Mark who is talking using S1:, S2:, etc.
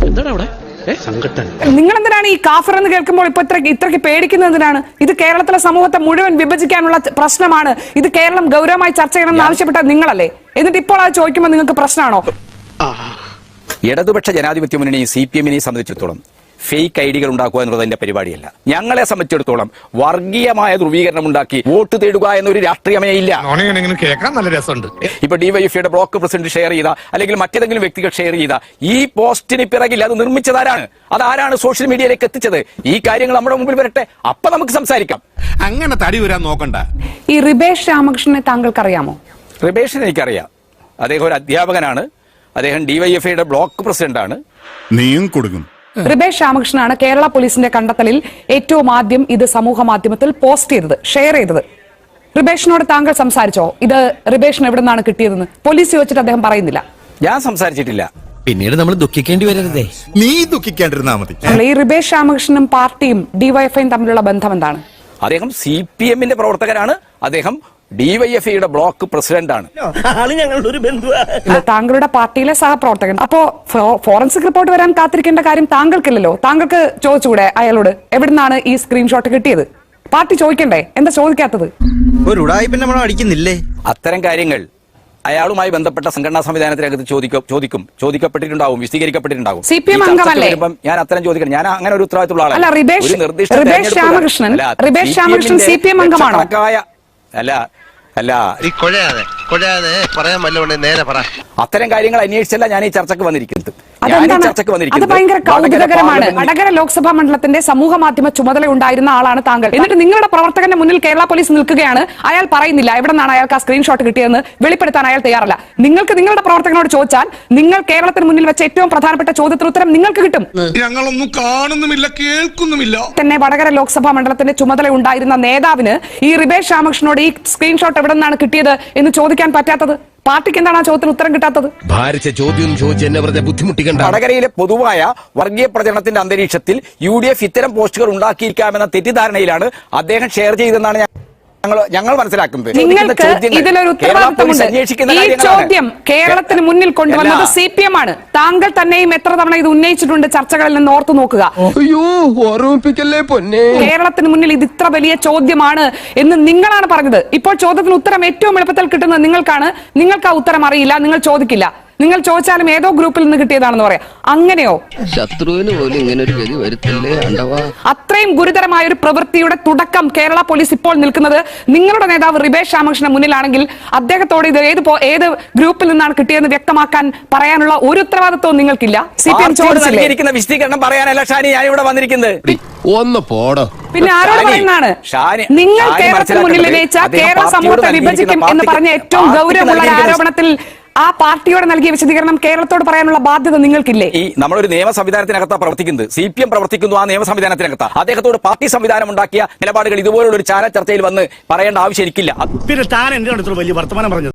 S1: എന്താണ് അവിടെ സങ്കട്ടൻ?
S2: നിങ്ങൾ എന്തിനാണ് ഈ കാഫർ എന്ന് കേൾക്കുമ്പോൾ ഇപ്പൊ ഇത്രയ്ക്ക് പേടിക്കുന്നതിനാണ്? ഇത് കേരളത്തിലെ സമൂഹത്തെ മുഴുവൻ വിഭജിക്കാനുള്ള പ്രശ്നമാണ്. ഇത് കേരളം ഗൗരവമായി ചർച്ച ചെയ്യണമെന്ന് ആവശ്യപ്പെട്ട നിങ്ങളല്ലേ? എന്നിട്ട് ഇപ്പോൾ അത് ചോദിക്കുമ്പോൾ നിങ്ങൾക്ക് പ്രശ്നമാണോ?
S3: ഇടതുപക്ഷ ജനാധിപത്യ മുന്നണി CPM-നെ സംബന്ധിച്ചിടത്തോളം ഫേക്ക് ഐഡികൾ ഉണ്ടാക്കുക എന്നുള്ളത് എന്റെ പരിപാടിയല്ല. ഞങ്ങളെ സംബന്ധിച്ചിടത്തോളം വർഗീയമായ ധ്രുവീകരണം ഉണ്ടാക്കി വോട്ട് തേടുക എന്നൊരു രാഷ്ട്രീയമേ ഇല്ല.
S1: കേൾക്കാൻ നല്ല രസമുണ്ട്.
S3: ഇപ്പൊ ഡിവൈഎഫ്ഐയുടെ ബ്ലോക്ക് പ്രസിഡന്റ് ഷെയർ ചെയ്ത അല്ലെങ്കിൽ മറ്റേതെങ്കിലും വ്യക്തികൾ ഷെയർ ചെയ്ത ഈ പോസ്റ്റിന് പിറകിൽ അത് നിർമ്മിച്ചതാരാണ്? അതാരാണ് സോഷ്യൽ മീഡിയയിലേക്ക് എത്തിച്ചത്? ഈ കാര്യങ്ങൾ നമ്മുടെ മുമ്പിൽ വരട്ടെ, അപ്പൊ നമുക്ക് സംസാരിക്കാം.
S1: അങ്ങനെ തടി വരാൻ നോക്കണ്ട.
S2: ഈ റിബേഷ് രാമകൃഷ്ണനെ താങ്കൾക്ക് അറിയാമോ?
S3: റിബേഷിനെ എനിക്കറിയാം. അദ്ദേഹം ഒരു അധ്യാപകനാണ്. അദ്ദേഹം ഡിവൈഎഫ്ഐയുടെ ബ്ലോക്ക് പ്രസിഡന്റ് ആണ്.
S4: നീയും കൊടുക്കും.
S2: റിബേഷ് രാമകൃഷ്ണനാണ് കേരള പോലീസിന്റെ കണ്ടെത്തലിൽ ഏറ്റവും ആദ്യം ഇത് സമൂഹ മാധ്യമത്തിൽ പോസ്റ്റ് ചെയ്തത്, ഷെയർ ചെയ്തത്. റിബേഷിനോട് താങ്കൾ സംസാരിച്ചോ? ഇത് റിബേഷിന് എവിടെ നിന്നാണ് കിട്ടിയതെന്ന് പോലീസ് ചോദിച്ചിട്ട് അദ്ദേഹം പറയുന്നില്ല.
S3: ഞാൻ സംസാരിച്ചിട്ടില്ല.
S5: പിന്നീട് നമ്മൾ ദുഃഖിക്കേണ്ടി വരരുതേ.
S4: നീ ദുഃഖിക്കാണ്ടിരുന്നാ മതി.
S2: ഈ റിബേഷ് രാമകൃഷ്ണനും പാർട്ടിയും ഡിവൈഎഫ്ഐയും തമ്മിലുള്ള ബന്ധം എന്താണ്?
S3: അദ്ദേഹം CPM-ന്റെ പ്രവർത്തകരാണ്. അദ്ദേഹം ഡിവൈഎഫ്ഐയുടെ ബ്ലോക്ക് പ്രസിഡന്റ് ആണ്.
S2: താങ്കളുടെ പാർട്ടിയിലെ സഹപ്രവർത്തകൻ. അപ്പോ ഫോറൻസിക് റിപ്പോർട്ട് വരാൻ കാത്തിരിക്കേണ്ട കാര്യം താങ്കൾക്കില്ലല്ലോ. താങ്കൾക്ക് ചോദിച്ചുകൂടെ അയാളോട് എവിടുന്നാണ് ഈ സ്ക്രീൻഷോട്ട് കിട്ടിയത്? പാർട്ടി ചോദിക്കണ്ടേ? എന്താ ചോദിക്കാത്തത്?
S5: ഒരു ഉടായിപ്പിന്റെ മണം അടിക്കുന്നില്ലേ?
S3: അത്തരം കാര്യങ്ങൾ അയാളുമായി ബന്ധപ്പെട്ട സംഘടനാ സംവിധാനത്തിനകത്ത് ചോദിക്കപ്പെട്ടിട്ടുണ്ടാവും, വിശദീകരിക്കപ്പെട്ടിട്ടുണ്ടാവും.
S2: CPM അംഗമല്ലേ?
S3: ഞാൻ അത്തരം ചോദിക്കണം. ഞാൻ അങ്ങനെ ഒരു ഉത്തരവാദിത്തമുള്ള
S2: അല്ല, റിബേഷ് രാമകൃഷ്ണൻ CPM അംഗമാണോ?
S3: അല്ല,
S1: പറയാൻ വല്ലതുകൊണ്ട് നേരെ പറ.
S3: അത്തരം കാര്യങ്ങൾ അന്വേഷിച്ചല്ല ഞാൻ ഈ ചർച്ചക്ക് വന്നിരിക്കുന്നത്.
S2: അത് ഭയങ്കര കൗതുകകരമാണ്. വടകര ലോക്സഭാ മണ്ഡലത്തിന്റെ സമൂഹ മാധ്യമ ചുമതല ഉണ്ടായിരുന്ന ആളാണ് താങ്കൾ. എന്നിട്ട് നിങ്ങളുടെ പ്രവർത്തകന്റെ മുന്നിൽ കേരള പോലീസ് നിൽക്കുകയാണ്. അയാൾ പറയുന്നില്ല എവിടെ നിന്നാണ് അയാൾക്ക് ആ സ്ക്രീൻഷോട്ട് കിട്ടിയതെന്ന് വെളിപ്പെടുത്താൻ അയാൾ തയ്യാറല്ല. നിങ്ങൾക്ക് നിങ്ങളുടെ പ്രവർത്തകനോട് ചോദിച്ചാൽ നിങ്ങൾ കേരളത്തിന് മുന്നിൽ വെച്ച ഏറ്റവും പ്രധാനപ്പെട്ട ചോദ്യത്തിന് ഉത്തരം നിങ്ങൾക്ക് കിട്ടും.
S1: ഞങ്ങളൊന്നും കാണുന്നുമില്ല, കേൾക്കുന്നുമില്ല.
S2: തന്നെ വടകര ലോക്സഭാ മണ്ഡലത്തിന്റെ ചുമതല ഉണ്ടായിരുന്ന നേതാവിന് ഈ റിബേഷ് രാമകൃഷ്ണനോട് ഈ സ്ക്രീൻഷോട്ട് എവിടെ നിന്നാണ് കിട്ടിയത് എന്ന് ചോദിക്കാൻ പറ്റാത്തത്? പാർട്ടിക്ക് എന്താണ് ആ ചോദ്യത്തിന് ഉത്തരം കിട്ടാത്തത്?
S5: ഭാരിച്ച ചോദ്യം ചോദിച്ച് എന്നെ വെറുതെ ബുദ്ധിമുട്ടിക്കണ്ട.
S3: വടകരയിലെ പൊതുവായ വർഗീയ പ്രചരണത്തിന്റെ അന്തരീക്ഷത്തിൽ UDF ഇത്തരം പോസ്റ്റുകൾ ഉണ്ടാക്കിയിരിക്കാമെന്ന തെറ്റിദ്ധാരണയിലാണ് അദ്ദേഹം ഷെയർ ചെയ്തെന്നാണ് ഞങ്ങൾ മനസ്സിലാക്കുന്നത്.
S2: നിങ്ങൾക്ക് ഇതിലൊരു ഉത്തരവാദിത്തമുണ്ട്. ഈ ചോദ്യം കേരളത്തിന് മുന്നിൽ കൊണ്ടുവന്നത് CPM ആണ്. താങ്കൾ തന്നെയും എത്ര തവണ ഇത് ഉന്നയിച്ചിട്ടുണ്ട് ചർച്ചകളിൽ നിന്ന് ഓർത്തു നോക്കുക. കേരളത്തിന് മുന്നിൽ ഇത് ഇത്ര വലിയ ചോദ്യമാണ് എന്ന് നിങ്ങളാണ് പറഞ്ഞത്. ഇപ്പോൾ ചോദ്യത്തിന് ഉത്തരം ഏറ്റവും എളുപ്പത്തിൽ കിട്ടുന്നത് നിങ്ങൾക്കാണ്. നിങ്ങൾക്ക് ആ ഉത്തരം അറിയില്ല, നിങ്ങൾ ചോദിക്കില്ല. നിങ്ങൾ ചോദിച്ചാലും ഏതോ ഗ്രൂപ്പിൽ നിന്ന് കിട്ടിയതാണെന്ന് പറയാം. അങ്ങനെയോ?
S6: ശത്രുവിന് പോലും ഇങ്ങനെ ഒരു ഗതി വരുത്തില്ലേ അണ്ടവാ.
S2: അത്രയും ഗുരുതരമായ ഒരു പ്രവൃത്തിയുടെ തുടക്കം കേരള പോലീസ് ഇപ്പോൾ നിൽക്കുന്നത് നിങ്ങളുടെ നേതാവ് റിബേഷ് രാമകൃഷ്ണൻ മുന്നിലാണെങ്കിൽ അദ്ദേഹത്തോട് ഇത് ഏത് ഗ്രൂപ്പിൽ നിന്നാണ് കിട്ടിയതെന്ന് വ്യക്തമാക്കാൻ പറയാനുള്ള ഒരു ഉത്തരവാദിത്വവും നിങ്ങൾക്കില്ല. CPM ചോദിച്ചിരിക്കുന്ന
S3: വിശദീകരണം പറയാനല്ല ഷാനി ഞാൻ ഇവിടെ വന്നിരിക്കുന്നത്.
S5: ഒന്ന് പോടോ.
S2: പിന്നെ ആരോട് പറയുന്നതാണ്? നിങ്ങൾ കേരളത്തിന് മുന്നിൽ ഉന്നയിച്ച കേരള സമൂഹത്തെ വിഭജിക്കും എന്ന് പറഞ്ഞ ഏറ്റവും ഗൗരവമുള്ള ആരോപണത്തിൽ ആ പാർട്ടിയോട് നൽകിയ വിശദീകരണം കേരളത്തോട് പറയാനുള്ള ബാധ്യത നിങ്ങൾക്കില്ലേ?
S3: ഈ നമ്മളൊരു നിയമ സംവിധാനത്തിനകത്താണ് പ്രവർത്തിക്കുന്നത്. CPM പ്രവർത്തിക്കുന്നു ആ നിയമ സംവിധാനത്തിനകത്താണ്. അദ്ദേഹത്തോട് പാർട്ടി സംവിധാനം ഉണ്ടാക്കിയ നിലപാടുകൾ ഇതുപോലുള്ള ഒരു ചാനൽ ചർച്ചയിൽ വന്ന് പറയേണ്ട ആവശ്യം എനിക്കില്ല.
S7: പിന്നെ താൻ എന്തിനാണ് ഇത്ര വലിയ വർത്തമാനം പറഞ്ഞത്?